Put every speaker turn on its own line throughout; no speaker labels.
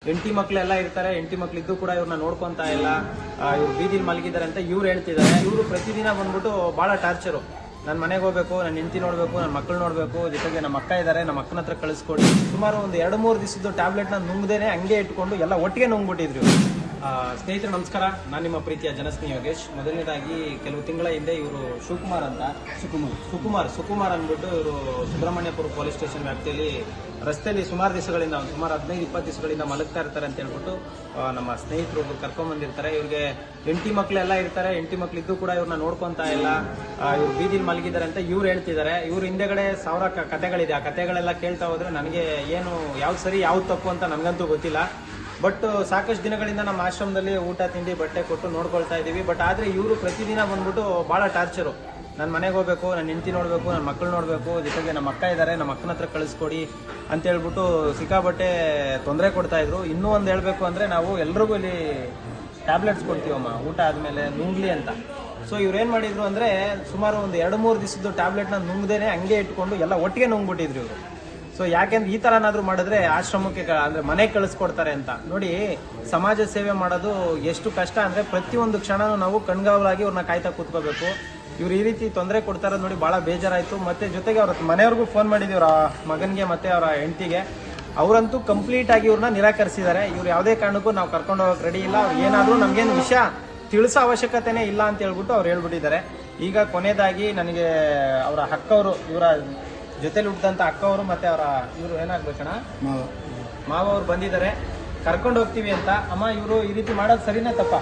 ಹೆಂಡತಿ ಮಕ್ಳೆಲ್ಲ ಇರ್ತಾರೆ, ಹೆಂಡತಿ ಮಕ್ಳಿದ್ದು ಕೂಡ ಇವ್ರನ್ನ ನೋಡ್ಕೊಂತ ಇಲ್ಲ, ಇವ್ರು ಬೀದಿಲಿ ಮಲಗಿದ್ದಾರೆ ಅಂತ ಇವ್ರು ಹೇಳ್ತಿದ್ದಾರೆ. ಇವರು ಪ್ರತಿದಿನ ಬಂದ್ಬಿಟ್ಟು ಬಹಳ ಟಾರ್ಚರು. ನನ್ನ ಮನೆಗೆ ಹೋಗ್ಬೇಕು, ನನ್ನ ಹೆಂಡತಿ ನೋಡ್ಬೇಕು, ನನ್ನ ಮಕ್ಕಳು ನೋಡ್ಬೇಕು, ಜೊತೆಗೆ ನಮ್ಮ ಅಕ್ಕ ಇದ್ದಾರೆ, ನಮ್ಮ ಅಕ್ಕನ ಹತ್ರ ಕಳಿಸ್ಕೊಡಿ. ಸುಮಾರು ಒಂದು 2-3 ದಿವಸದ್ದು ಟ್ಯಾಬ್ಲೆಟ್ನ ನುಂಗ್ದೇನೆ ಹಂಗೆ ಇಟ್ಕೊಂಡು ಎಲ್ಲ ಒಟ್ಟಿಗೆ ನುಂಗ್ಬಿಟ್ಟಿದ್ರು. ಸ್ನೇಹಿತರು ನಮಸ್ಕಾರ, ನಾನು ನಿಮ್ಮ ಪ್ರೀತಿಯ ಜನಸ್ನೇಹಿ ಯೋಗೇಶ್. ಮೊದಲನೇದಾಗಿ ಕೆಲವು ತಿಂಗಳ ಹಿಂದೆ ಇವರು ಶಿವಕುಮಾರ್ ಅಂತ ಸುಕುಮಾರ್ ಅಂದ್ಬಿಟ್ಟು ಇವರು ಸುಬ್ರಹ್ಮಣ್ಯಪುರ ಪೊಲೀಸ್ ಸ್ಟೇಷನ್ ವ್ಯಾಪ್ತಿಯಲ್ಲಿ ರಸ್ತೆಯಲ್ಲಿ ಸುಮಾರು ದಿವಸಗಳಿಂದ ಸುಮಾರು 15-20 ದಿವಸಗಳಿಂದ ಮಲಗ್ತಾ ಇರ್ತಾರೆ ಅಂತ ಹೇಳ್ಬಿಟ್ಟು ನಮ್ಮ ಸ್ನೇಹಿತರು ಒಬ್ರು ಕರ್ಕೊಂಡ್ಬಂದಿರ್ತಾರೆ. ಇವ್ರಿಗೆ ಹೆಂಡತಿ ಮಕ್ಳೆಲ್ಲ ಇರ್ತಾರೆ, ಹೆಂಡತಿ ಮಕ್ಳಿದ್ದು ಕೂಡ ಇವ್ರನ್ನ ನೋಡ್ಕೊಂತ ಇಲ್ಲ, ಇವ್ರು ಬೀದಿಲಿ ಮಲಗಿದ್ದಾರೆ ಅಂತ ಇವ್ರು ಹೇಳ್ತಿದ್ದಾರೆ. ಇವ್ರ ಹಿಂದೆಗಡೆ 1000 ಕಥೆಗಳಿದೆ. ಆ ಕಥೆಗಳೆಲ್ಲ ಕೇಳ್ತಾ ಹೋದ್ರೆ ನನಗೆ ಏನು ಯಾವ್ದು ಸರಿ ಯಾವ್ದು ತಪ್ಪು ಅಂತ ನನಗಂತೂ ಗೊತ್ತಿಲ್ಲ. ಬಟ್ ಸಾಕಷ್ಟು ದಿನಗಳಿಂದ ನಮ್ಮ ಆಶ್ರಮದಲ್ಲಿ ಊಟ ತಿಂಡಿ ಬಟ್ಟೆ ಕೊಟ್ಟು ನೋಡ್ಕೊಳ್ತಾ ಇದ್ದೀವಿ. ಬಟ್ ಆದರೆ ಇವರು ಪ್ರತಿದಿನ ಬಂದ್ಬಿಟ್ಟು ಭಾಳ ಟಾರ್ಚರು. ನನ್ನ ಮನೆಗೆ ಹೋಗ್ಬೇಕು, ನನ್ನ ಹೆಂಡತಿ ನೋಡಬೇಕು, ನನ್ನ ಮಕ್ಕಳು ನೋಡಬೇಕು, ಜೊತೆಗೆ ನಮ್ಮ ಅಕ್ಕ ಇದ್ದಾರೆ, ನಮ್ಮ ಅಕ್ಕನ ಹತ್ರ ಕಳಿಸ್ಕೊಡಿ ಅಂತ ಹೇಳ್ಬಿಟ್ಟು ಸಿಕ್ಕಾಬಟ್ಟೆ ತೊಂದರೆ ಕೊಡ್ತಾಯಿದ್ರು. ಇನ್ನೂ ಒಂದು ಹೇಳಬೇಕು ಅಂದರೆ ನಾವು ಎಲ್ರಿಗೂ ಇಲ್ಲಿ ಟ್ಯಾಬ್ಲೆಟ್ಸ್ ಕೊಡ್ತೀವಮ್ಮ ಊಟ ಆದಮೇಲೆ ನುಂಗ್ಲಿ ಅಂತ. ಸೊ ಇವ್ರೇನು ಮಾಡಿದ್ರು ಅಂದರೆ ಸುಮಾರು ಒಂದು 2-3 ದಿವಸದ್ದು ಟ್ಯಾಬ್ಲೆಟ್ನ ನುಂಗ್ದೇನೆ ಹಂಗೆ ಇಟ್ಕೊಂಡು ಎಲ್ಲ ಒಟ್ಟಿಗೆ ನುಂಗ್ಬಿಟ್ಟಿದ್ರು ಇವರು. ಸೊ ಯಾಕೆಂದ್ರೆ ಈ ಥರ ಏನಾದರೂ ಮಾಡಿದ್ರೆ ಆಶ್ರಮಕ್ಕೆ ಅಂದರೆ ಮನೆಗೆ ಕಳಿಸ್ಕೊಡ್ತಾರೆ ಅಂತ. ನೋಡಿ, ಸಮಾಜ ಸೇವೆ ಮಾಡೋದು ಎಷ್ಟು ಕಷ್ಟ ಅಂದರೆ ಪ್ರತಿಯೊಂದು ಕ್ಷಣನೂ ನಾವು ಕಣ್ಗಾವಲಾಗಿ ಇವ್ರನ್ನ ಕಾಯ್ತಾ ಕೂತ್ಕೋಬೇಕು. ಇವ್ರು ಈ ರೀತಿ ತೊಂದರೆ ಕೊಡ್ತಾರ ನೋಡಿ ಭಾಳ ಬೇಜಾರಾಯಿತು. ಮತ್ತು ಜೊತೆಗೆ ಅವ್ರ ಮನೆಯವ್ರಿಗೂ ಫೋನ್ ಮಾಡಿದ್ದೀವಿ, ಅವರ ಮಗನಿಗೆ ಮತ್ತು ಅವರ ಹೆಂಡತಿಗೆ. ಅವರಂತೂ ಕಂಪ್ಲೀಟಾಗಿ ಇವ್ರನ್ನ ನಿರಾಕರಿಸಿದ್ದಾರೆ. ಇವ್ರು ಯಾವುದೇ ಕಾರಣಕ್ಕೂ ನಾವು ಕರ್ಕೊಂಡು ಹೋಗೋಕೆ ರೆಡಿ ಇಲ್ಲ, ಅವ್ರು ಏನಾದರೂ ನಮಗೇನು ವಿಷಯ ತಿಳಿಸೋ ಅವಶ್ಯಕತೆನೇ ಇಲ್ಲ ಅಂತ ಹೇಳ್ಬಿಟ್ಟು ಅವ್ರು ಹೇಳ್ಬಿಟ್ಟಿದ್ದಾರೆ. ಈಗ ಕೊನೆಯದಾಗಿ ನನಗೆ ಅವರ ಅಕ್ಕವರು, ಇವರ ಜೊತೆಲಿ ಹುಟ್ಟಿದಂಥ ಅಕ್ಕವರು ಮತ್ತು ಅವರ ಇವರು ಏನಾಗ್ಬೇಕಣ್ಣ ಮಾವ ಅವ್ರು ಬಂದಿದ್ದಾರೆ, ಕರ್ಕೊಂಡು ಹೋಗ್ತೀವಿ ಅಂತ. ಅಮ್ಮ, ಇವರು ಈ ರೀತಿ ಮಾಡೋದು ಸರಿನಾ ತಪ್ಪ?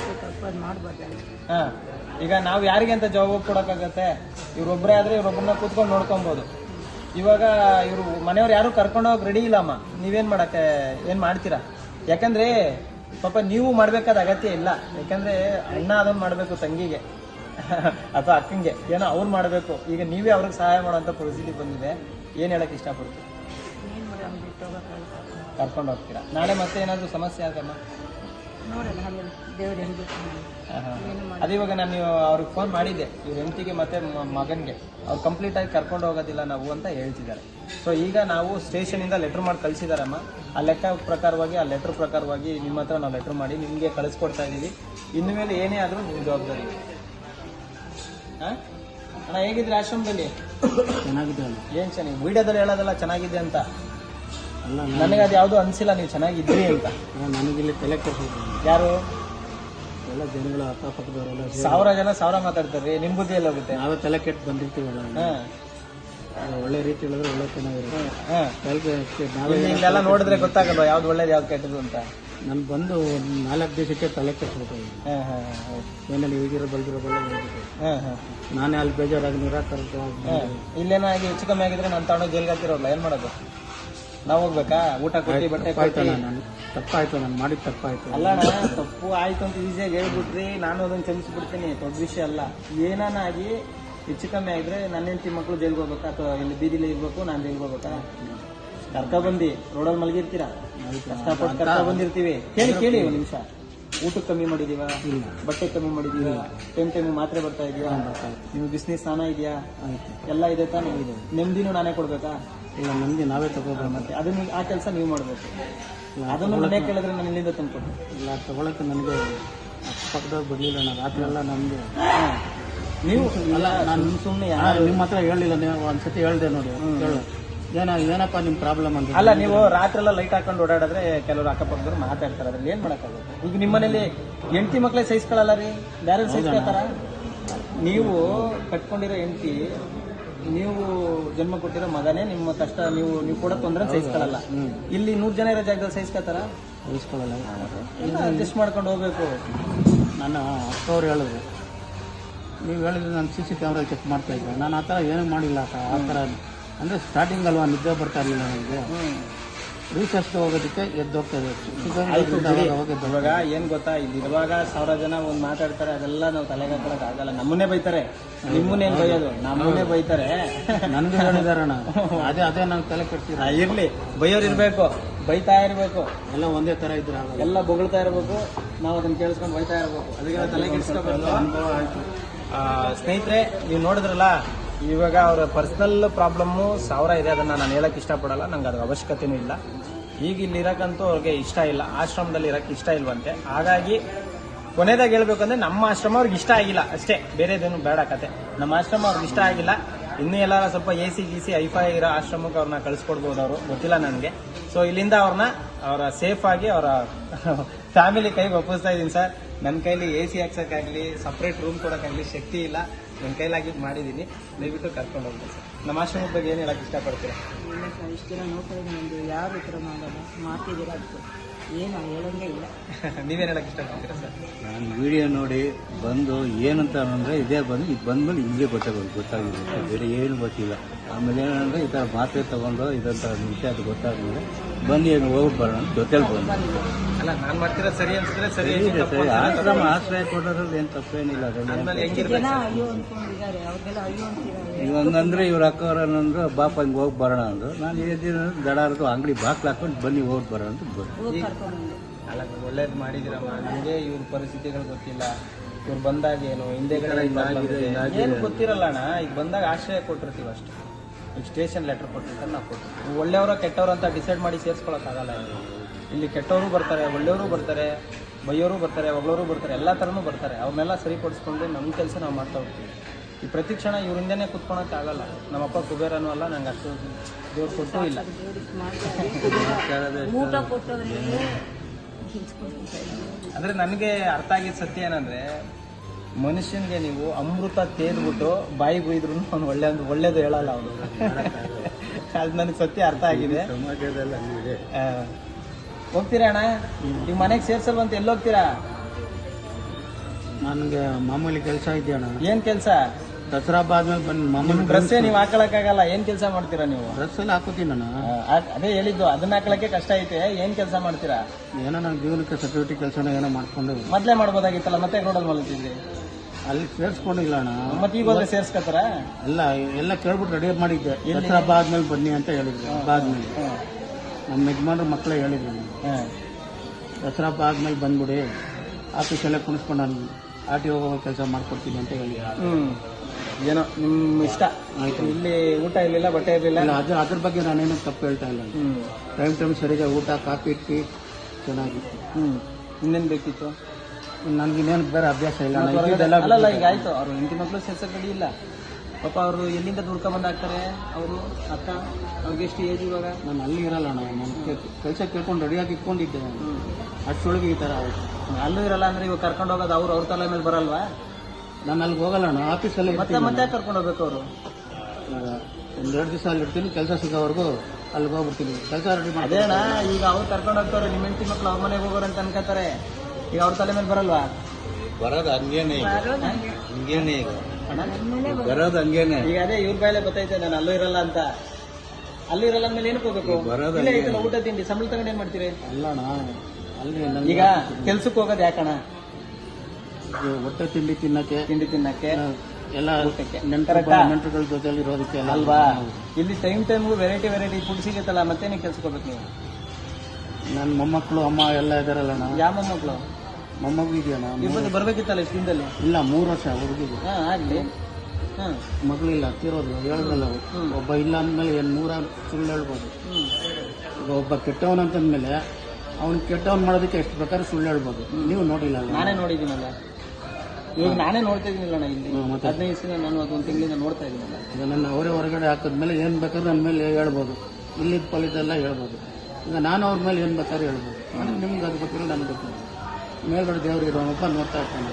ಹಾಂ, ಈಗ ನಾವು ಯಾರಿಗೆ ಅಂತ ಜವಾಬ್ ಕೊಡೋಕ್ಕಾಗತ್ತೆ? ಇವ್ರೊಬ್ಬರೇ ಆದರೆ ಇವ್ರೊಬ್ಬರನ್ನ ಕೂತ್ಕೊಂಡು ನೋಡ್ಕೊಬೋದು. ಇವಾಗ ಇವರು ಮನೆಯವ್ರು ಯಾರು ಕರ್ಕೊಂಡು ಹೋಗಿ ರೆಡಿ ಇಲ್ಲಮ್ಮ. ನೀವೇನು ಮಾಡೋಕ್ಕೆ ಏನು ಮಾಡ್ತೀರಾ? ಯಾಕಂದರೆ ಪಾಪ ನೀವು ಮಾಡಬೇಕಾದ ಅಗತ್ಯ ಇಲ್ಲ. ಯಾಕಂದರೆ ಅಣ್ಣ ಅದನ್ನು ಮಾಡಬೇಕು ತಂಗಿಗೆ ಅಥವಾ ಅಕ್ಕಂಗೆ, ಏನೋ ಅವ್ರು ಮಾಡಬೇಕು. ಈಗ ನೀವೇ ಅವ್ರಿಗೆ ಸಹಾಯ ಮಾಡೋಂಥ ಪರಿಸ್ಥಿತಿ ಬಂದಿದೆ. ಏನು ಹೇಳಕ್ಕೆ ಇಷ್ಟಪಡ್ತೀವಿ? ಕರ್ಕೊಂಡು ಹೋಗ್ತೀರಾ? ನಾಳೆ ಮತ್ತೆ ಏನಾದರೂ ಸಮಸ್ಯೆ ಆಗಲ್ಲ? ಅದು ಇವಾಗ ನಾನು ಅವ್ರಿಗೆ ಫೋನ್ ಮಾಡಿದ್ದೆ, ಇವ್ರ ಹೆಂಡತಿಗೆ ಮತ್ತು ಮಗನಿಗೆ. ಅವ್ರು ಕಂಪ್ಲೀಟಾಗಿ ಕರ್ಕೊಂಡು ಹೋಗೋದಿಲ್ಲ ನಾವು ಅಂತ ಹೇಳ್ತಿದ್ದಾರೆ. ಸೊ ಈಗ ನಾವು ಸ್ಟೇಷನಿಂದ ಲೆಟ್ರ್ ಮಾಡಿ ಕಳಿಸಿದಾರಮ್ಮ. ಆ ಲೆಕ್ಕ ಪ್ರಕಾರವಾಗಿ, ಆ ಲೆಟ್ರ್ ಪ್ರಕಾರವಾಗಿ ನಿಮ್ಮ ಹತ್ರ ನಾವು ಲೆಟ್ರ್ ಮಾಡಿ ನಿಮಗೆ ಕಳಿಸ್ಕೊಡ್ತಾ ಇದ್ದೀವಿ. ಇನ್ನು ಮೇಲೆ ಏನೇ ಆದರೂ ನಿಮ್ಮ ಜವಾಬ್ದಾರಿ. ಅಣ್ಣ, ಹೇಗಿದ್ರೆ ಆಶ್ರಮದಲ್ಲಿ?
ಚೆನ್ನಾಗಿದೆ.
ಏನು ಚೆನ್ನಾಗಿ ವಿಡಿಯೋದಲ್ಲಿ ಹೇಳೋದಲ್ಲ ಚೆನ್ನಾಗಿದೆ ಅಂತ. ಅಲ್ಲ, ನನಗೆ ಅದು ಯಾವುದೂ ಅನಿಸಿಲ್ಲ ನೀವು ಚೆನ್ನಾಗಿದ್ರಿ ಅಂತ.
ನನಗಿಲ್ಲಿ ತಲೆ ಕೆಡಿಸೋದು.
ಯಾರು?
ಎಲ್ಲ ಜನಗಳ ಅಕ್ಕಪಕ್ಕದವರೆಲ್ಲ
1000 ಜನ 1000 ಮಾತಾಡ್ತಾರೆ. ನಿಮ್ಮ ಬುದ್ಧಿ ಎಲ್ಲ ಹೋಗುತ್ತೆ.
ನಾವೇ ತಲೆ ಕೆಟ್ಟು ಬಂದಿರ್ತೀವಲ್ಲ. ಒಳ್ಳೆ ರೀತಿ ಹೇಳಿದ್ರೆ ಒಳ್ಳೆ ಚೆನ್ನಾಗಿರುತ್ತೆ.
ಇಲ್ಲೆಲ್ಲ ನೋಡಿದ್ರೆ ಗೊತ್ತಾಗಲ್ವ ಯಾವ್ದು ಒಳ್ಳೇದು ಯಾವ್ದು ಕೆಟ್ಟದ್ದು ಅಂತ?
ನಾನು ಬಂದು 4 ದಿವಸಕ್ಕೆ ತಲೆ ಕೆಟ್ಟಿಸ್ಬಿಟ್ಟು ಏನಲ್ಲಿ ಈಗಿರೋ ಬಲ್ದಿರೋ ನಾನೇ ಅಲ್ಲಿ ಬೇಜಾರಾಗಿ
ಇಲ್ಲೇನಾಗಿ ಹೆಚ್ಚು ಕಮ್ಮಿ ಆಗಿದ್ರೆ ನಾನು ತಗೊಂಡು ಜೈಲ್ಗೆ ಹಾಕಿರೋಲ್ಲ. ಏನು ಮಾಡೋದು? ನಾವು ಹೋಗ್ಬೇಕಾ? ಊಟ ಕೊಟ್ಟು ಬಟ್ಟೆ
ಆಯ್ತು, ನಾನು ತಪ್ಪಾಯ್ತು, ನಾನು ಮಾಡಿದ ತಪ್ಪಾಯ್ತು.
ಅಲ್ಲ, ತಪ್ಪು ಆಯ್ತು ಅಂತ ಈಸಿಯಾಗಿ ಹೇಳ್ಬಿಟ್ರಿ, ನಾನು ಅದನ್ನು ಕ್ಷಮಿಸ್ಬಿಡ್ತೀನಿ, ದೊಡ್ಡ ವಿಷಯ ಅಲ್ಲ. ಏನಾಗಿ ಹೆಚ್ಚು ಕಮ್ಮಿ ಆಗಿದ್ರೆ ನನ್ನ ಹೆಂಡತಿ ಮಕ್ಕಳು ಜೈಲ್ಗೆ ಹೋಗ್ಬೇಕಾ ಅಥವಾ ಇಲ್ಲಿ ಬೀದಿಲಿ ಇರ್ಬೇಕು, ನಾನು ಜೈಲ್ಗೆ ಹೋಗ್ಬೇಕಾ? ಕರ್ಕೊಬಂದು ರೋಡಲ್ಲಿ ಮಲಗಿರ್ತೀರಾ? ಕಷ್ಟಪಟ್ಟು ಕರ್ಕೊಬಂದಿರ್ತೀವಿ. ಕೇಳಿ ಒಂದು ನಿಮಿಷ. ಊಟಕ್ಕೆ ಕಮ್ಮಿ ಮಾಡಿದೀವ? ಬಟ್ಟೆ ಕಮ್ಮಿ ಮಾಡಿದೀವ? ಟೈಮ್ ಮಾತ್ರೆ ಬರ್ತಾ ಇದೆಯಾ? ನಿಮ್ಗೆ ಬಿಸ್ನೆಸ್ ಸ್ನಾನ ಇದೆಯಾ? ಎಲ್ಲ ಇದೆ ತಾನೇ? ಇದೆ. ನೆಮ್ಮದಿನೂ ನಾನೇ ಕೊಡ್ಬೇಕಾ?
ಇಲ್ಲ, ನಮ್ಗೆ ನಾವೇ ತಗೋಬೇಕು.
ಮತ್ತೆ ಅದನ್ನ ಆ ಕೆಲಸ ನೀವು ಮಾಡಬೇಕು. ಅದನ್ನು ಮನೆ ಕೇಳಿದ್ರೆ ನಾನು ಇಲ್ಲಿಂದ ತಂದ್ಕೊಟ್ಟು.
ಇಲ್ಲ, ತಗೊಳಕ್ಕೆ ನನಗೆ ಅಕ್ಕಪಕ್ಕದಾಗ ಬರಲಿಲ್ಲ. ನಾನು ರಾತ್ರಿ ಎಲ್ಲ ನಮಗೆ
ನೀವು ಅಲ್ಲ, ನಾನು ಸುಮ್ಮನೆ
ನಿಮ್ಮ ಹತ್ರ ಹೇಳಿಲ್ಲ. ನೀವು ಒಂದ್ಸತಿ ಹೇಳ್ದೆ ನೋಡಿ, ಹೇಳು ಏನಪ್ಪ ನಿಮ್ಮ ಪ್ರಾಬ್ಲಮ್ ಅಂತ.
ಅಲ್ಲ, ನೀವು ರಾತ್ರಿ ಎಲ್ಲ ಲೈಟ್ ಹಾಕೊಂಡು ಓಡಾಡಿದ್ರೆ ಕೆಲವರು ಅಕ್ಕಪಕ್ಕದವ್ರು ಮಾತಾಡ್ತಾರೆ. ಅದ್ರಲ್ಲಿ ಏನು ಮಾಡೋಕ್ಕಾಗುತ್ತೆ? ಈಗ ನಿಮ್ಮ ಮನೇಲಿ ಹೆಂಡತಿ ಮಕ್ಕಳೇ ಸಹಿಸ್ಕೊಳ್ಳಲ್ಲ ರೀ, ಬೇರೆ ಸಹಿಸ್ಕೊಳ್ತಾರ? ನೀವು ಕಟ್ಕೊಂಡಿರೋ ಹೆಂಡತಿ, ನೀವು ಜನ್ಮ ಕೊಟ್ಟಿರೋ ಮಗನೇ ನಿಮ್ಮ ಕಷ್ಟ ನೀವು ಕೂಡ ತೊಂದರೆ ಸಹಿಸ್ಕೊಳ್ಳಲ್ಲ. ಇಲ್ಲಿ 100 ಜನ ಇರೋ ಜಾಗದಲ್ಲಿ ಸಹಿಸ್ಕೊತಾರ?
ಸಹಿಸ್ಕೊಳ್ಳಲ್ಲ.
ಅಡ್ಜಸ್ಟ್ ಮಾಡ್ಕೊಂಡು ಹೋಗ್ಬೇಕು.
ನನ್ನ ಅಕ್ಕವ್ರು ಹೇಳಿದ್ರು, ನೀವು ಹೇಳಿದ್ರೆ ನಾನು CC ಕ್ಯಾಮ್ರಾ ಚೆಕ್ ಮಾಡ್ತಾ ಇದ್ದೆ. ನಾನು ಆ ಥರ ಏನೂ ಮಾಡಿಲ್ಲ. ಆ ಥರ ಅಂದರೆ ಸ್ಟಾರ್ಟಿಂಗ್ ಅಲ್ವಾ, ನಿದ್ದೆ ಬರ್ತಾ ಇರಲಿಲ್ಲ ನನಗೆ. ರೀಚಾರ್ಜ್ಗೆ ಹೋಗೋದಕ್ಕೆ ಎದ್ದೋಗ್ತಾ ಇದೆ.
ಇವಾಗ ಏನು ಗೊತ್ತಾ, ಇಲ್ಲಿರುವಾಗ 1000 ಜನ ಒಂದು ಮಾತಾಡ್ತಾರೆ, ಅದೆಲ್ಲ ನಾವು ತಲೆಗೆ ಹಾಕೊಳ್ಳೋಕೆ ಆಗಲ್ಲ. ನಮ್ಮನ್ನೇ ಬೈತಾರೆ, ನಿಮ್ಮನ್ನೇನು ಬೈಯೋದು? ನಮ್ಮನ್ನೇ ಬೈತಾರೆ.
ನನಗೆ ಹೇಳಿದಾರಣ, ಅದೇ ನಂಗೆ ತಲೆ ಕೆಡ್ತೀರ.
ಇರಲಿ, ಬೈಯೋರು ಇರಬೇಕು, ಬೈತಾ ಇರಬೇಕು.
ಎಲ್ಲ ಒಂದೇ ಥರ ಇದ್ರೆ
ಎಲ್ಲ ಬೊಗಳ್ತಾ ಇರಬೇಕು, ನಾವು ಅದನ್ನು ಕೇಳಿಸ್ಕೊಂಡು ಬೈತಾ ಇರಬೇಕು. ಅದಕ್ಕೆ ತಲೆ ಕೆಡಿಸ್ಕೋಬೇಕು. ಅನುಭವ ಆಯಿತು. ಸ್ನೇಹಿತರೆ, ನೀವು ನೋಡಿದ್ರಲ್ಲ, ಇವಾಗ ಅವರ ಪರ್ಸನಲ್ ಪ್ರಾಬ್ಲಮ್ಮು 1000 ಇದೆ. ಅದನ್ನು ನಾನು ಹೇಳೋಕ್ಕೆ ಇಷ್ಟಪಡಲ್ಲ, ನಂಗೆ ಅದ್ರ ಅವಶ್ಯಕತೆಯೂ ಇಲ್ಲ. ಈಗ ಇಲ್ಲಿ ಇರಕ್ಕಂತೂ ಅವ್ರಿಗೆ ಇಷ್ಟ ಇಲ್ಲ, ಆಶ್ರಮದಲ್ಲಿ ಇರಕ್ಕೆ ಇಷ್ಟ ಇಲ್ವಂತೆ. ಹಾಗಾಗಿ ಕೊನೆದಾಗಿ ಹೇಳ್ಬೇಕಂದ್ರೆ ನಮ್ಮ ಆಶ್ರಮ ಅವ್ರಿಗೆ ಇಷ್ಟ ಆಗಿಲ್ಲ ಅಷ್ಟೇ, ಬೇರೆದೇನು ಬೇಡ ಕತೆ. ನಮ್ಮ ಆಶ್ರಮ ಅವ್ರಿಗೆ ಇಷ್ಟ ಆಗಿಲ್ಲ. ಇನ್ನೂ ಎಲ್ಲಾರ ಸ್ವಲ್ಪ AC ಗೀಸಿ ಐಫೈ ಇರೋ ಆಶ್ರಮಕ್ಕೆ ಅವ್ರನ್ನ ಕಳಿಸ್ಕೊಡ್ಬೋದು, ಅವರು ಗೊತ್ತಿಲ್ಲ ನನಗೆ. ಸೊ ಇಲ್ಲಿಂದ ಅವರ ಸೇಫ್ ಆಗಿ ಅವರ ಫ್ಯಾಮಿಲಿ ಕೈಗೆ ಒಪ್ಪಿಸ್ತಾ ಇದ್ದೀನಿ ಸರ್. ನನ್ನ ಕೈಲಿ AC ಹಾಕ್ಸೋಕ್ಕಾಗಲಿ ಸಪ್ರೇಟ್ ರೂಮ್ ಕೊಡೋಕ್ಕಾಗಲಿ ಶಕ್ತಿ ಇಲ್ಲ, ನನ್ನ ಕೈಲಾಗಿದ್ದು ಮಾಡಿದ್ದೀನಿ. ದಯವಿಟ್ಟು ಕರ್ಕೊಂಡು ಹೋಗ್ಬೋದು ಸರ್. ನಮ್ಮ ಆಶ್ರಮದ ಬಗ್ಗೆ ಏನು ಹೇಳಕ್ಕೆ ಇಷ್ಟಪಡ್ತೀರಾ?
ಇಲ್ಲ ಸರ್, ಇಷ್ಟು ದಿನ ನೋಡ್ತಾ ಇದ್ದೀನಿ, ನಮ್ಮದು ಯಾರು ಈ ಥರ ಮಾಡೋದು ಮಾಡ್ತಿದ್ದೀರಾ ಅದಕ್ಕೆ ಏನು ಹೇಳೋಂಗೆ ಇಲ್ಲ.
ನೀವೇನು ಹೇಳಕ್ಕೆ ಇಷ್ಟಪಡ್ತೀರಾ ಸರ್?
ನಾನು ವಿಡಿಯೋ ನೋಡಿ ಬಂದು ಏನಂತ ಅಂದರೆ ಇದೇ ಬಂದು ಇದು ಬಂದ್ಮೇಲೆ ಹಿಂಗೆ ಗೊತ್ತಾಗಿದೆ, ಬೇರೆ ಏನು ಗೊತ್ತಿಲ್ಲ. ಆಮೇಲೆ ಏನಂದರೆ ಈ ಥರ ಮಾತ್ರೆ ತೊಗೊಂಡು ಇದಂಥ ವಿಷಯ ಅದು ಗೊತ್ತಾದ್ಮೇಲೆ ಬನ್ನಿ ಹೋಗಿ ಬರೋಣ ಜೊತೆಲಿ ಬಂದು.
ಅಲ್ಲ, ನಾನು ಮಾಡ್ತಿರೋದು ಸರಿ ಅನ್ಸಿದ್ರೆ ಸರಿ.
ಆಶ್ರಮ ಆಶ್ರಯ ಕೊಡೋದ್ರಲ್ಲಿ ಏನು ತಪ್ಪೇನಿಲ್ಲ. ಅದರಲ್ಲಿ
ಜನ ಅಯ್ಯೋ ಅಂದ್ಕೊಂಡಿದ್ದಾರೆ, ಅವ್ರಿಗೆಲ್ಲ ಅಯ್ಯೋ ಅಂತಿದ್ದಾರೆ.
ಇವಂಗಂದ್ರೆ ಇವ್ರ ಅಕ್ಕವ್ರನ್ನಂದ್ರು ಬಾಪ ಹಿಂಗೆ ಹೋಗಿ ಬರೋಣ ಅಂದರು. ನಾನು ಏನಿದ್ರು ದಡಾರದು ಅಂಗಡಿ ಬಾಕ್ಲು ಹಾಕೊಂಡು ಬನ್ನಿ ಹೋಗಿ ಬರೋಣ ಅಂತ ಬಂದು.
ಹೋಗಿ ಕರ್ಕೊಂಡು
ಅಲ್ಲ, ಒಳ್ಳೇದು ಮಾಡಿದಿರಮ್ಮ. ನನಗೆ ಇವ್ರ ಪರಿಸ್ಥಿತಿಗಳು ಗೊತ್ತಿಲ್ಲ, ಇವ್ರು ಬಂದಾಗ ಏನು ಹಿಂದೆಗಡೆ ಏನು ಗೊತ್ತಿರಲ್ಲ ಅಣ್ಣ. ಈಗ ಬಂದಾಗ ಆಶ್ರಯ ಕೊಟ್ಟಿರ್ತೀವಿ ಅಷ್ಟೇ. ಈಗ ಸ್ಟೇಷನ್ ಲೆಟರ್ ಕೊಟ್ಟಿರ್ತಾರೆ, ನಾವು ಕೊಟ್ಟಿರ್ತೀವಿ. ಒಳ್ಳೆಯವರ ಕೆಟ್ಟವ್ರು ಅಂತ ಡಿಸೈಡ್ ಮಾಡಿ ಸೇರಿಸ್ಕೊಳಕ್ಕಾಗಲ್ಲ. ಇಲ್ಲಿ ಕೆಟ್ಟವರು ಬರ್ತಾರೆ, ಒಳ್ಳೆಯವರು ಬರ್ತಾರೆ, ಬೈಯೋರು ಬರ್ತಾರೆ, ಒಬ್ಬರು ಬರ್ತಾರೆ, ಎಲ್ಲ ಥರನೂ ಬರ್ತಾರೆ. ಅವ್ರನ್ನೆಲ್ಲ ಸರಿಪಡಿಸ್ಕೊಂಡು ನಮ್ಮ ಕೆಲಸ ನಾವು ಮಾಡ್ತಾ ಹೋಗ್ತೀವಿ. ಈ ಪ್ರತಿ ಕ್ಷಣ ಇವ್ರಿಂದನೇ ಕುತ್ಕೊಳಕ್ಕಾಗಲ್ಲ. ನಮ್ಮಪ್ಪ ಕುಬೇರನೂ ಅಲ್ಲ, ನಂಗೆ ಅಷ್ಟು ದೇವ್ರು ಕೊಟ್ಟೂ ಇಲ್ಲ.
ಊಟ ಕೊಟ್ಟವರಿಗೆ
ಅಂದರೆ ನನಗೆ ಅರ್ಥ ಆಗಿದ್ದ ಸತ್ಯ ಏನಂದರೆ, ಮನುಷ್ಯನಿಗೆ ನೀವು ಅಮೃತ ತೇದ್ಬಿಟ್ಟು ಬಾಯಿಗೆ ಬೈದ್ರು ಅವ್ನು ಒಳ್ಳೇದು ಹೇಳಲ್ಲ ಅವನು. ಅದು ನನಗೆ ಸತ್ಯ ಅರ್ಥ ಆಗಿದೆ.
ಸಮಾಜದಲ್ಲಿ ಹಂಗಿದೆ.
ಹೋಗ್ತೀರಾ ಅಣ್ಣ? ಈಗ ಮನೆಗೆ ಸೇರ್ಸಲ್ವಂತ ಎಲ್ಲಿ ಹೋಗ್ತೀರಾ?
ನನಗೆ ಮಾಮೂಲಿ ಕೆಲಸ ಇದೆ ಅಣ್ಣ.
ಏನ್ ಕೆಲಸ?
ದಸರಾ ಹಬ್ಬ ಆದ್ಮೇಲೆ ಬಂದು ಮಾಮೂಲಿ
ಡ್ರೆಸ್ಸೇ ನೀವು ಹಾಕೊಳಕ್ಕಾಗಲ್ಲ. ಏನ್ ಕೆಲಸ ಮಾಡ್ತೀರಾ ನೀವು?
ಡ್ರೆಸ್ ಎಲ್ಲ ಹಾಕೋತೀನಿ ನಾನು.
ಅದೇ ಹೇಳಿದ್ದು, ಅದನ್ನ ಹಾಕೊಳಕ್ಕೆ ಕಷ್ಟ ಐತೆ. ಏನ್ ಕೆಲಸ ಮಾಡ್ತೀರಾ?
ಏನೋ ನನ್ನ ಜೀವನಕ್ಕೆ ಸೆಕ್ಯೂರಿಟಿ ಕೆಲಸನ ಏನೋ ಮಾಡ್ಕೊಂಡು
ಮೊದ್ಲೇ ಮಾಡ್ಬೋದಾಗಿತ್ತಲ್ಲ, ಮತ್ತೆ ರೋಡಲ್ಲಿ ಮಲಗ್ತಿದ್ರಿ.
ಅಲ್ಲಿ ಸೇರಿಸ್ಕೊಂಡಿಲ್ಲ ಅಣ್ಣ.
ಮತ್ತೆ ಈಗ ಹೋದ್ರೆ ಸೇರ್ಸ್ಕೊತಾರ?
ಎಲ್ಲ ಕೇಳ್ಬಿಟ್ಟು ರೆಡಿ ಮಾಡಿದ್ದೆ. ದಸರಾ ಹಬ್ಬ ಆದ್ಮೇಲೆ ಬನ್ನಿ ಅಂತ ಹೇಳಿದ್ರು. ಹಬ್ಬ ಆದ್ಮೇಲೆ ನಮ್ಮ ಯಜಮಾನ್ರ ಮಕ್ಕಳೇ ಹೇಳಿದ್ರು ನನಗೆ, ದಸರಾ ಹಬ್ಬ ಆದ್ಮೇಲೆ ಬಂದ್ಬಿಡಿ, ಆಫೀಸಲ್ಲೇ ಕುಣಿಸ್ಕೊಂಡು ನಾನು RTO ಹೋಗೋ ಕೆಲಸ ಮಾಡ್ಕೊಡ್ತೀನಿ ಅಂತ ಹೇಳಿ.
ಏನೋ ನಿಮ್ಮ ಇಷ್ಟ
ಆಯ್ತು.
ಇಲ್ಲಿ ಊಟ ಇರ್ಲಿಲ್ಲ, ಬಟ್ಟೆ ಇರ್ಲಿಲ್ಲ.
ಅದ್ರ ಬಗ್ಗೆ ನಾನೇನು ತಪ್ಪು ಹೇಳ್ತಾ ಇಲ್ಲ. ಟೈಮ್ ಸರಿಯಾಗಿ ಊಟ, ಕಾಫಿ, ಟೀ ಚೆನ್ನಾಗಿತ್ತು.
ಇನ್ನೇನ್ ಬೇಕಿತ್ತು?
ನನ್ಗಿನ್ನೇನು ಬೇರೆ ಅಭ್ಯಾಸ ಇಲ್ಲ.
ಅಲ್ಲಲ್ಲ, ಈಗ ಆಯ್ತು. ಅವ್ರು ಹೆಂಡತಿ ಮಕ್ಕಳು ಸೇರ್ಸಕ್ ರೆಡಿ ಇಲ್ಲ ಪಾಪ. ಅವರು ಎಲ್ಲಿಂದ ದುಡ್ಕೊಂಡ್ ಹಾಕ್ತಾರೆ? ಅವರು ಅಕ್ಕ ಅವ್ರಿಗೆ ಎಷ್ಟು ಏಜ್ ಇವಾಗ?
ನಾನು ಅಲ್ಲಿ ಇರಲ್ಲ ಅಣ್ಣ. ನಾನು ಕೆಲಸ ಕೇಳ್ಕೊಂಡು ರೆಡಿಯಾಗಿ ಇಟ್ಕೊಂಡಿದ್ದೆ. ಅಷ್ಟೊಳಗೆ ಈ ಥರ ಆಯ್ತು.
ಅಲ್ಲೂ ಇರಲ್ಲ ಅಂದ್ರೆ ಇವಾಗ ಕರ್ಕೊಂಡು ಹೋಗೋದು ಅವ್ರ ತಲೆ ಮೇಲೆ ಬರಲ್ವಾ?
ನಾನು ಅಲ್ಲಿಗೆ ಹೋಗಲ್ಲ ಅಣ್ಣ, ಆಫೀಸಲ್ಲಿ
ಮತ್ತೆ ಕರ್ಕೊಂಡು ಹೋಗ್ಬೇಕು ಅವರು.
ಒಂದೆರಡು ದಿವಸ ಅಲ್ಲಿ ಇರ್ತೀನಿ, ಕೆಲಸ ಸಿಗೋವರೆಗೂ ಅಲ್ಲಿಗೆ ಹೋಗ್ಬಿಡ್ತೀನಿ, ಕೆಲಸ ರೆಡಿ ಮಾಡಿ.
ಅದೇನಾ, ಈಗ ಅವ್ರು ಕರ್ಕೊಂಡು ಹೋಗ್ತಾರೆ, ನಿಮ್ಮ ಹೆಂಡತಿ ಮಕ್ಳು ಅವ್ರ ಮನೆಗೆ ಹೋಗೋರು ಅಂತ ಅನ್ಕೋತಾರೆ. ಈಗ ಅವ್ರ ತಲೆ ಮೇಲೆ ಬರಲ್ವಾ?
ಬರೋದು ಹಂಗೇನೆ ಈಗ, ಹಿಂಗೇನೆ ಈಗ
ಅಣ್ಣ
ಬರೋದು ಹಂಗೇನೆ.
ಈಗ ಅದೇ ಇವ್ರ ಬಾಯಲ್ಲೇ ಗೊತ್ತೈತೆ ನಾನು ಅಲ್ಲೂ ಇರಲ್ಲ ಅಂತ. ಅಲ್ಲೂ ಇರಲ್ಲ ಅಂದ್ಮೇಲೆ ಏನಕ್ಕೆ ಹೋಗ್ಬೇಕು? ಇಲ್ಲೇ ಐತಲ್ಲ ಊಟ ತಿಂಡಿ, ಸಂಬಳ ತಗೊಂಡು ಏನ್ ಮಾಡ್ತೀರಿ?
ಅಲ್ಲ ಅಣ್ಣ, ಅಲ್ಲಿ
ಈಗ ಕೆಲ್ಸಕ್ಕೆ ಹೋಗೋದು ಯಾಕಣ?
ಹೊಟ್ಟೆ ತಿಂಡಿ ತಿನ್ನಕ್ಕೆ ಎಲ್ಲ ನೆಂಟರುಗಳ ಜೊತೆಲಿ ಇರೋದಕ್ಕೆ
ಅಲ್ವಾ? ಇಲ್ಲಿ ಟೈಮ್ಗೂ ವೆರೈಟಿ ಫುಡ್ ಸಿಗುತ್ತಲ್ಲ, ಮತ್ತೆ ನೀವು ಕೆಲ್ಸಕ್ಕೆ ಹೋಗ್ಬೇಕು ನೀವು.
ನನ್ನ ಮೊಮ್ಮಕ್ಕಳು ಅಮ್ಮ ಎಲ್ಲ ಇದಾರಲ್ಲ ಅಣ್ಣ.
ಯಾವ ಮೊಮ್ಮಕ್ಕಳು?
ಮೊಮ್ಮಗು ಇದೆಯಣ್ಣ.
ಇವತ್ತು ಬರ್ಬೇಕಿತ್ತಲ್ಲ ಇಷ್ಟು ದಿನದಲ್ಲಿ.
ಇಲ್ಲ, 3 ವರ್ಷ ಹುಡುಗಿಗೆ.
ಆಗ್ಲಿ.
ಮಗಳಿಲ್ಲ, ತಿರೋದು ಹೇಳಿದ್ರಲ್ಲ. ಒಬ್ಬ ಇಲ್ಲ ಅಂದ್ಮೇಲೆ 100 ಸುಳ್ಳು ಹೇಳ್ಬೋದು. ಈಗ ಒಬ್ಬ ಕೆಟ್ಟವನಂತಂದ್ಮೇಲೆ ಅವ್ನು ಕೆಟ್ಟವನ್ ಮಾಡೋದಕ್ಕೆ ಎಷ್ಟು ಬೇಕಾದ್ರೂ ಸುಳ್ಳು ಹೇಳ್ಬೋದು. ನೀವು ನೋಡಿಲ್ಲ?
ನಾನೇ ನೋಡಿದ್ದೀನಲ್ಲ, ಇವಾಗ ನಾನೇ ನೋಡ್ತಾ ಇದೀನಿಲ್ಲ ಇಲ್ಲಿ 15 ದಿವಸ. ನಾನು ಅದೊಂದು ತಿಂಗಳಿಂದ ನೋಡ್ತಾ ಇದೀನಲ್ಲ.
ಈಗ ನನ್ನ ಅವರೇ ಹೊರಗಡೆ ಹಾಕಿದ್ಮೇಲೆ ಏನು ಬೇಕಾದ್ರೂ ನನ್ನ ಮೇಲೆ ಹೇಳ್ಬೋದು, ಇಲ್ಲಿದ್ದ ಪಲಿದೆಲ್ಲ ಹೇಳ್ಬೋದು. ಈಗ ನಾನು ಅವ್ರ ಮೇಲೆ ಏನು ಬೇಕಾದ್ರೂ ಹೇಳ್ಬೋದು. ನಿಮ್ಗೆ ಅದು ಗೊತ್ತಿಲ್ಲ, ನನಗೆ ಗೊತ್ತಿಲ್ಲ. ಮೇಲ್ಗಡೆ ದೇವ್ರು ಇರೋನಪ್ಪ ನೋಡ್ತಾ ಇರ್ತಾನೆ.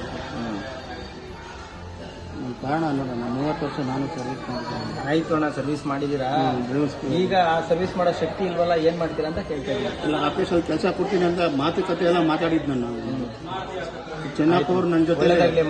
ನನ್ನ ಕಾರಣ ನೋಡೋಣ, 30 ವರ್ಷ ನಾನು ಸರ್ವಿಸ್ ಮಾಡ್ತೀನಿ.
ಆಯ್ತು ಅಣ್ಣ, ಸರ್ವಿಸ್ ಮಾಡಿದ್ದೀರಾ. ಈಗ ಆ ಸರ್ವಿಸ್ ಮಾಡೋ ಶಕ್ತಿ ಇಲ್ವಲ್ಲ, ಏನ್ ಮಾಡ್ತೀರಾ ಅಂತ ಕೇಳ್ತಾ ಇದ್ದೀನಿ.
ಇಲ್ಲ, ಆಫೀಸಲ್ಲಿ ಕೆಲಸ ಕೊಡ್ತೀನಿ ಅಂತ ಮಾತುಕತೆ ಎಲ್ಲ ಮಾತಾಡಿದ್ದು ನಾನು. ಚೆನ್ನಪ್ಪ ಅವ್ರು ನನ್ನ ಜೊತೆ,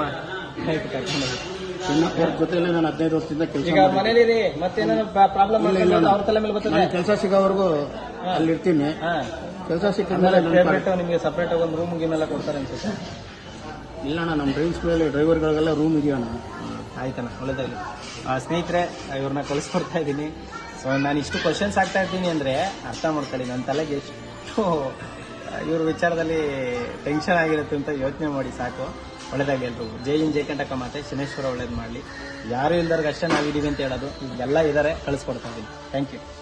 ಚೆನ್ನಪ್ಪ ಅವ್ರ ಜೊತೆಲೆ ನಾನು 15 ವರ್ಷದಿಂದ ಕೆಲಸ.
ಈಗ ಮನೇಲಿ ಮತ್ತೇನಾದ್ರು ಪ್ರಾಬ್ಲಮ್ ಅವ್ರ ತಲೆ ಮೇಲೆ ಬರ್ತದೆ.
ಕೆಲಸ ಸಿಗೋವರೆಗೂ ಅಲ್ಲಿ ಇರ್ತೀನಿ. ಕೆಲಸ ಸಿಕ್ಕಿದ್ಮೇಲೆ
ನಿಮಗೆ ಸಪ್ರೇಟ್ ಆಗಿ ಒಂದು ರೂಮ್ ಗೀಮೆಲ್ಲ ಕೊಡ್ತಾರೆ ಅನ್ಸುತ್ತೆ.
ಇಲ್ಲ ಅಣ್ಣ, ನಮ್ಮ ಡ್ರೈವರ್ಗಳಿಗೆಲ್ಲ ರೂಮ್ ಇದೆಯಣ್ಣ.
ಆಯ್ತಣ್ಣ, ಒಳ್ಳೇದಾಗಲಿ. ಸ್ನೇಹಿತರೆ, ಇವ್ರನ್ನ ಕಳಿಸ್ಕೊಡ್ತಾ ಇದ್ದೀನಿ. ಸೊ ನಾನು ಇಷ್ಟು ಕ್ವಶನ್ಸ್ ಆಗ್ತಾ ಇದ್ದೀನಿ ಅಂದರೆ ಅರ್ಥ ಮಾಡ್ಕೊಳ್ಳಿ, ನನ್ನ ತಲೆಗೆ ಎಷ್ಟು ಇವ್ರ ವಿಚಾರದಲ್ಲಿ ಟೆನ್ಷನ್ ಆಗಿರುತ್ತೆ ಅಂತ ಯೋಚನೆ ಮಾಡಿ ಸಾಕು. ಒಳ್ಳೇದಾಗಿ ಎಲ್ರಿಗೂ ಜೈ ಹಿಂದ್, ಜೈ ಕಂಟಕ ಮಾತೆ. ಶನೇಶ್ವರ ಒಳ್ಳೇದು ಮಾಡಲಿ. ಯಾರು ಇಲ್ದವ್ರಿಗೆ ಅಷ್ಟೇ ನಾವಿದ್ದೀವಿ ಅಂತ ಹೇಳೋದು. ಎಲ್ಲ ಇದ್ದಾರೆ, ಕಳಿಸ್ಕೊಡ್ತಾ ಇದ್ದೀನಿ. Thank you.